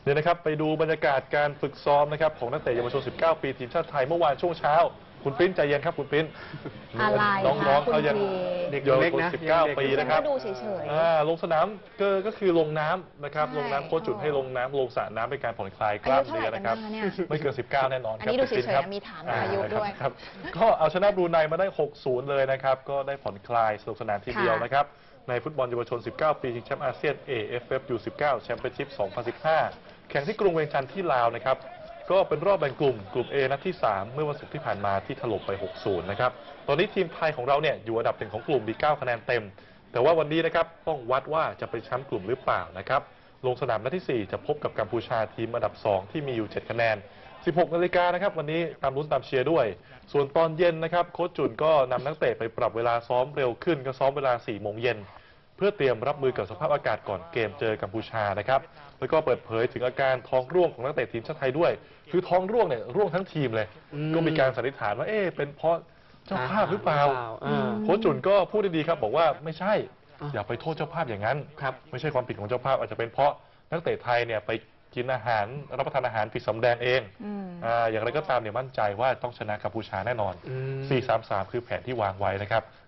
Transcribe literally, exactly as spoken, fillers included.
เนี่ยนะครับไปดูบรรยากาศการฝึกซ้อมนะครับของนักเตะเยาวชนสิบเก้าปีทีมชาติไทยเมื่อวานช่วงเช้าคุณปิ้นใจเย็นครับคุณปิ้นอะไรน้องๆเขายังเด็กเยาวเล็กชนนะสิบเก้าปีนะครับก็ดูเฉยอ่าลงสนามก็ก็คือลงน้ำนะครับใช่ลงน้ำโค้ชจุดให้ลงน้ำลงสระน้ำเป็นการผ่อนคลายกล้ามเนื้อนะครับอายุเท่าไหร่กันเนี่ยไม่เกินสิบเก้าแน่นอนอันครับนี้ดูเฉยๆคุณปิ้ครับมีถามอายุด้วยครับ ก็เอาชนะบรูไนมาได้ หกศูนย์ เลยนะครับก็ได้ผ่อนคลายสนุกสนานทีเดียวนะครับในฟุตบอลเยาวชน สิบเก้า ปีชิงแชมป์อาเซียน เอ เอฟ เอฟ ยู สิบเก้า แชมเปี้ยนชิพ สองพันสิบห้า แข่งที่กรุงเวียงจันทร์ที่ลาวนะครับก็เป็นรอบแบ่งกลุ่มกลุ่ม A นัดที่ สาม เมื่อวันศุกร์ที่ผ่านมาที่ถล่มไป หกศูนย์ นะครับตอนนี้ทีมไทยของเราเนี่ยอยู่อันดับหนึ่งของกลุ่มมีเก้าคะแนนเต็มแต่ว่าวันนี้นะครับต้องวัดว่าจะเป็นแชมป์กลุ่มหรือเปล่านะครับลงสนามนัดที่ สี่ จะพบกับกัมพูชาทีมอันดับ สอง ที่มีอยู่ เจ็ด คะแนน สิบหก นาฬิกานะครับวันนี้ตามลุ้นตามเชียร์ด้วยส่วนตอนเย็นนะครับโค้ชจุนก็นำนักเตะไปปรับเวลาซ้อมเร็วขึ้นก็ซ้อมเวลา สี่ โมงเย็นเพื่อเตรียมรับมือกับสภาพอากาศก่อนเกมเจอกัมพูชานะครับแล้วก็เปิดเผยถึงอาการท้องร่วงของนักเตะทีมชาติไทยด้วยคือท้องร่วงเนี่ยร่วงทั้งทีมเลยก็มีการสันนิษฐานว่าเอ๊ะเป็นเพราะเจ้าภาพหรือเปล่าโค้ชจุนก็พูดดีๆครับบอกว่าไม่ใช่อย่าไปโทษเจ้าภาพอย่างนั้นไม่ใช่ความผิดของเจ้าภาพอาจจะเป็นเพราะนักเตะไทยเนี่ยไปกินอาหารรับประทานอาหารผิดสำแดงเองอ่าอย่างไรก็ตามเนี่ยมั่นใจว่าต้องชนะกัมพูชาแน่นอน สี่ สาม สาม คือแผนที่วางไว้นะครับ